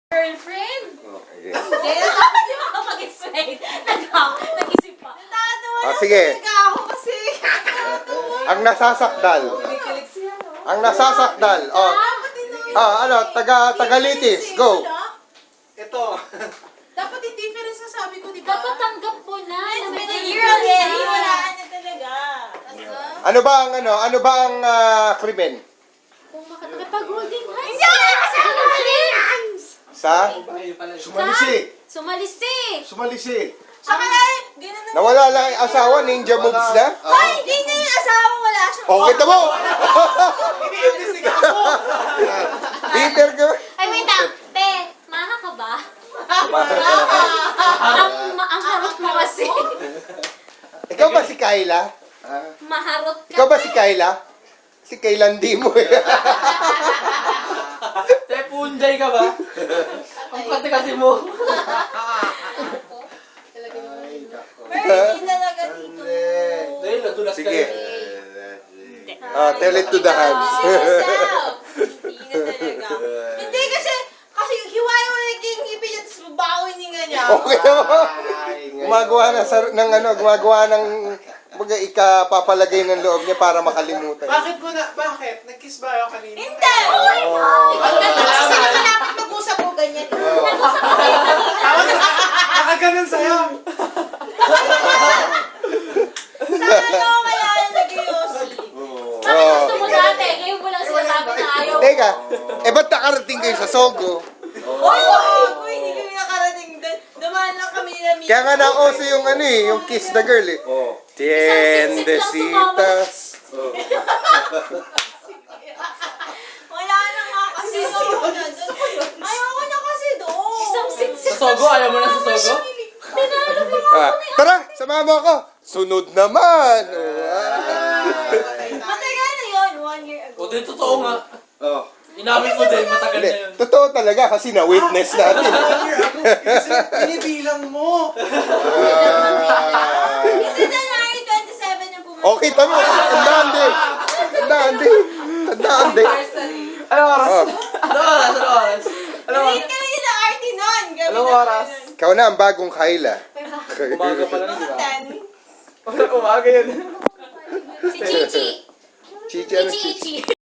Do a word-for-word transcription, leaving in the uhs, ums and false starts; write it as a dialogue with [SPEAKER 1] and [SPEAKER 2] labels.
[SPEAKER 1] Girlfriend?
[SPEAKER 2] Okay.
[SPEAKER 1] Hindi, hindi makapag-explain. Nag-isip pa.
[SPEAKER 2] Ah, sige.
[SPEAKER 3] Ako kasi.
[SPEAKER 2] Ang nasasakdal. Ang nasasakdal. Oh. Ah, ano, taga Tagalitis. Go.
[SPEAKER 4] Ito.
[SPEAKER 3] Dapat yung difference na sabi ko, di ba?
[SPEAKER 1] Dapat tanggap mo na.
[SPEAKER 3] It's
[SPEAKER 1] na may
[SPEAKER 3] been a
[SPEAKER 1] girlfriend
[SPEAKER 3] year already.
[SPEAKER 1] na.
[SPEAKER 3] Wala na talaga.
[SPEAKER 2] Ano ba ang ano? Ano ba ang ah, krimen?
[SPEAKER 1] Kung makapag-holding hands. Hindi! Kasi hands!
[SPEAKER 2] Sa
[SPEAKER 5] Sumalisi.
[SPEAKER 1] Sumalisi!
[SPEAKER 5] Sumalisi.
[SPEAKER 3] Saka ay, ganun na.
[SPEAKER 2] nawala lang ang asawa, ninja moves na.
[SPEAKER 3] Ay, hindi na yung asawa, wala siyang...
[SPEAKER 2] Oh, kita mo.
[SPEAKER 4] Iniimbestigahan mo.
[SPEAKER 2] Peter ka.
[SPEAKER 1] Ay, wait lang. Te, maha ka ba? ang, ma- ang harot mo kasi.
[SPEAKER 2] Ikaw ba si Kayla?
[SPEAKER 1] Maharot ka.
[SPEAKER 2] Ikaw ba si Kayla? Si Kayla hindi mo eh.
[SPEAKER 4] Te, punjay ka ba? Ang kati-kati mo.
[SPEAKER 3] Pero hindi talaga dito.
[SPEAKER 4] Dahil nadulas ka
[SPEAKER 2] Sige.
[SPEAKER 4] rin.
[SPEAKER 2] Ah, tell it to the hands.
[SPEAKER 3] Hindi na talaga. Hindi kasi, kasi hiwain mo na yung ngipin niya, tapos babawin niya niya.
[SPEAKER 2] Okay mo. Gumagawa na sa, ng ano, gumagawa ng baga ikapapalagay ng loob niya para makalimutan.
[SPEAKER 4] Bakit mo na, bakit? Nag-kiss ba ako kanina?
[SPEAKER 3] Hindi! Oh my God!
[SPEAKER 4] Ano ba?
[SPEAKER 3] Kasi nakalapit mag-usap ko ganyan.
[SPEAKER 4] Tawag na, nakaganon sa'yo.
[SPEAKER 3] Saan ako kaya yung nag-iossi?
[SPEAKER 1] Bakit gusto mo dati? Ngayon mo lang sinasabi na ayaw mo.
[SPEAKER 2] Teka, eh ba't nakarating kayo sa Sogo?
[SPEAKER 3] Oy, wag! Uy, hindi kami nakarating doon. Dumaan lang kami nila meet.
[SPEAKER 2] Kaya nga na-oso yung ano eh, yung kiss the girl eh.
[SPEAKER 5] Oh.
[SPEAKER 2] Tiendesitas.
[SPEAKER 3] Wala na nga kasi ayoko na doon. Ayoko na kasi doon.
[SPEAKER 1] Isang sit-sit.
[SPEAKER 4] Sa Sogo? Ayaw mo na sa Sogo?
[SPEAKER 1] Tinanong mo.
[SPEAKER 2] Ah, tara, sama mo ako. Sunod naman. Oh, ah.
[SPEAKER 3] Matagal na yun, one year ago.
[SPEAKER 4] O, din totoo nga.
[SPEAKER 5] Oh.
[SPEAKER 4] Inamin mo din, matagal
[SPEAKER 2] Hindi,
[SPEAKER 4] na yun.
[SPEAKER 2] totoo talaga kasi na-witness natin.
[SPEAKER 4] Kasi pinibilang mo.
[SPEAKER 2] Ah.
[SPEAKER 3] Kasi January twenty-seven yung pumunta.
[SPEAKER 2] Okay, tama. Tandaan din. Tandaan din. Tandaan din.
[SPEAKER 4] Anong oras?
[SPEAKER 2] Oh,
[SPEAKER 4] Anong oras? Anong oras? Anong
[SPEAKER 3] Late
[SPEAKER 4] oras?
[SPEAKER 3] kami nila R T noon. Gabi
[SPEAKER 4] Anong
[SPEAKER 3] na
[SPEAKER 4] oras?
[SPEAKER 3] kami nun.
[SPEAKER 2] ikaw na ang bagong Kayla.
[SPEAKER 4] Umaga pa lang, di
[SPEAKER 3] Mga
[SPEAKER 4] ba?
[SPEAKER 3] ten.
[SPEAKER 4] Umaga yun.
[SPEAKER 1] Si Chichi.
[SPEAKER 2] Chichi, ano
[SPEAKER 1] Si
[SPEAKER 2] chichi?
[SPEAKER 1] Chichi.